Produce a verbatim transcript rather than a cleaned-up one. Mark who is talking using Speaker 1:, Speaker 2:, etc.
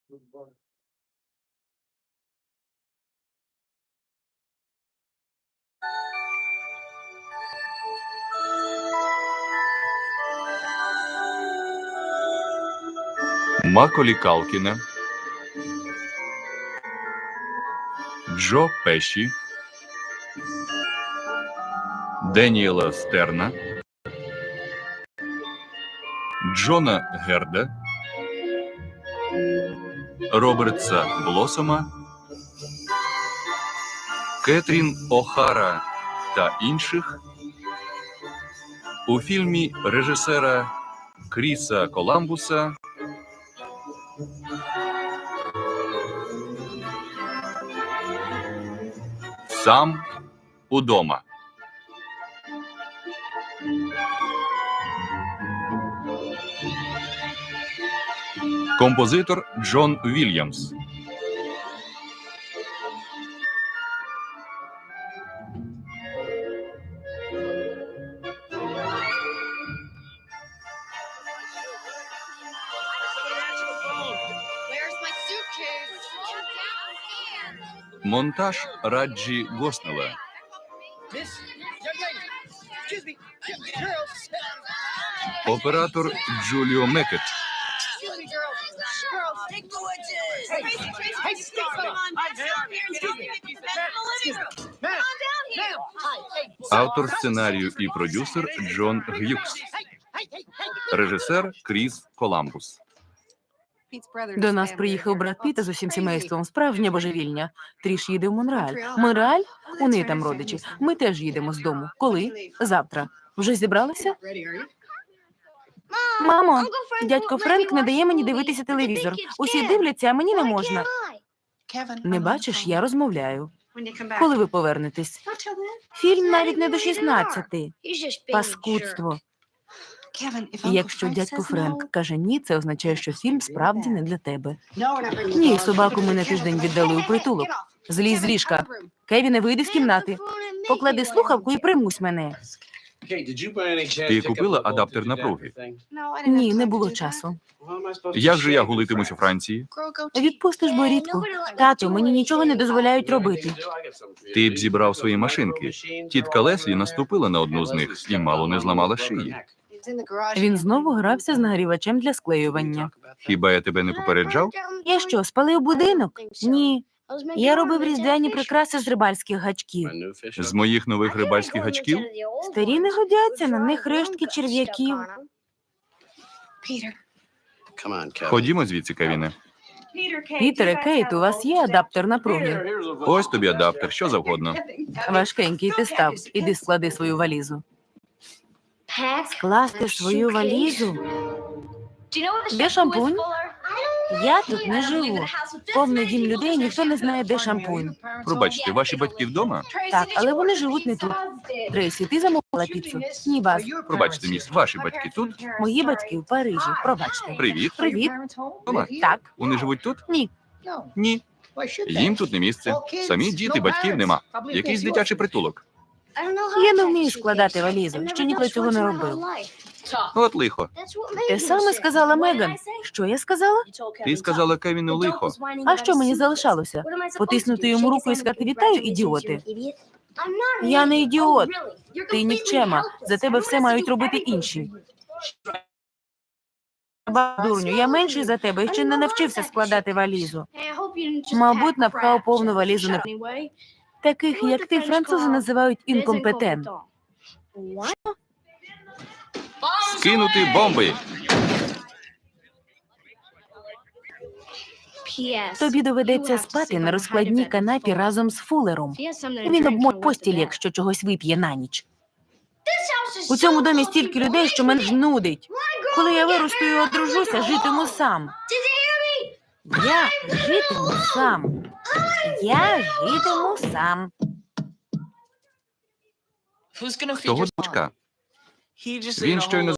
Speaker 1: Маколі Калкіна, Джо Пеші, Деніела Стерна, Джона Герда, Робертса Блосома, Кетрін О'Хара та інших у фільмі режисера Кріса Коламбуса «Сам удома». Композитор Джон Вільямс. Монтаж Раджі Госнелла. Оператор Джуліо Мекет. Автор сценарію і продюсер Джон Г'юкс. Режисер Кріс Коламбус.
Speaker 2: До нас приїхав брат Піт з усім сімейством. Справжнє божевільня. Тріш їде в Монреаль. Монреаль? У неї там родичі. Ми теж їдемо з дому. Коли? Завтра. Вже зібралися? Мамо, дядько Френк не дає мені дивитися телевізор. Усі дивляться, а мені не можна. Не бачиш, я розмовляю. Коли ви повернетесь? Фільм навіть не до шістнадцяти. Паскудство. Якщо дядько Френк каже ні, це означає, що фільм справді не для тебе. Ні, собаку ми на тиждень віддали у притулок. Злізь з ліжка. Кевіне, вийди з кімнати. Поклади слухавку і примусь мене.
Speaker 1: Ти купила адаптер напруги?
Speaker 2: Ні, не було часу.
Speaker 1: Як же я гулитимусь у Франції?
Speaker 2: Відпустиш бо рідко. Тату, мені нічого не дозволяють робити.
Speaker 1: Ти б зібрав свої машинки. Тітка Леслі наступила на одну з них і мало не зламала шиї.
Speaker 2: Він знову грався з нагрівачем для склеювання.
Speaker 1: Хіба я тебе не попереджав?
Speaker 2: Я що, спалив будинок? Ні. Я робив різдвяні прикраси з рибальських гачків.
Speaker 1: З моїх нових рибальських гачків?
Speaker 2: Старі не годяться, на них рештки черв'яків.
Speaker 1: Ходімо звідси, Кевіне.
Speaker 2: Пітере, Кейт, у вас є адаптер напруги?
Speaker 1: Ось тобі адаптер, що завгодно.
Speaker 2: Важкенький ти став. Іди склади свою валізу. Скласти свою валізу? Де шампунь? Я тут не живу. Повний дім людей, ніхто не знає, де шампунь.
Speaker 1: Пробачте, ваші батьки вдома?
Speaker 2: Так, але вони живуть не тут. Трейсі, ти замовила піцу? Ні, Баз.
Speaker 1: Пробачте, міс, ваші батьки тут?
Speaker 2: Мої батьки в Парижі. Пробачте.
Speaker 1: Привіт.
Speaker 2: Привіт.
Speaker 1: Дома?
Speaker 2: Так.
Speaker 1: Вони живуть тут?
Speaker 2: Ні.
Speaker 1: Ні. Їм тут не місце. Самі діти, батьків нема. Якийсь дитячий притулок.
Speaker 2: Я не вмію складати валізу. Ще ніколи цього не робив.
Speaker 1: От лихо.
Speaker 2: Те саме сказала Меган. Що я сказала?
Speaker 1: Ти сказала Кевіну лихо.
Speaker 2: А що мені залишалося? Потиснути йому руку і сказати «Вітаю, ідіоти». Я не ідіот. Ти нікчема. За тебе все мають робити інші. Дурню, я менший за тебе і ще не навчився складати валізу. Мабуть, напхав повну валізу на... Таких, як ти, французи називають інкомпетент.
Speaker 1: Скинути бомби.
Speaker 2: Тобі доведеться спати на розкладній канапі разом з Фулером. Він обмоть постіль, якщо чогось вип'є на ніч. У цьому домі стільки людей, що мене жнудить. Коли я виросту і одружуся, житиму сам. Я житиму сам. Я житиму сам.
Speaker 1: Того дочка. Він щойно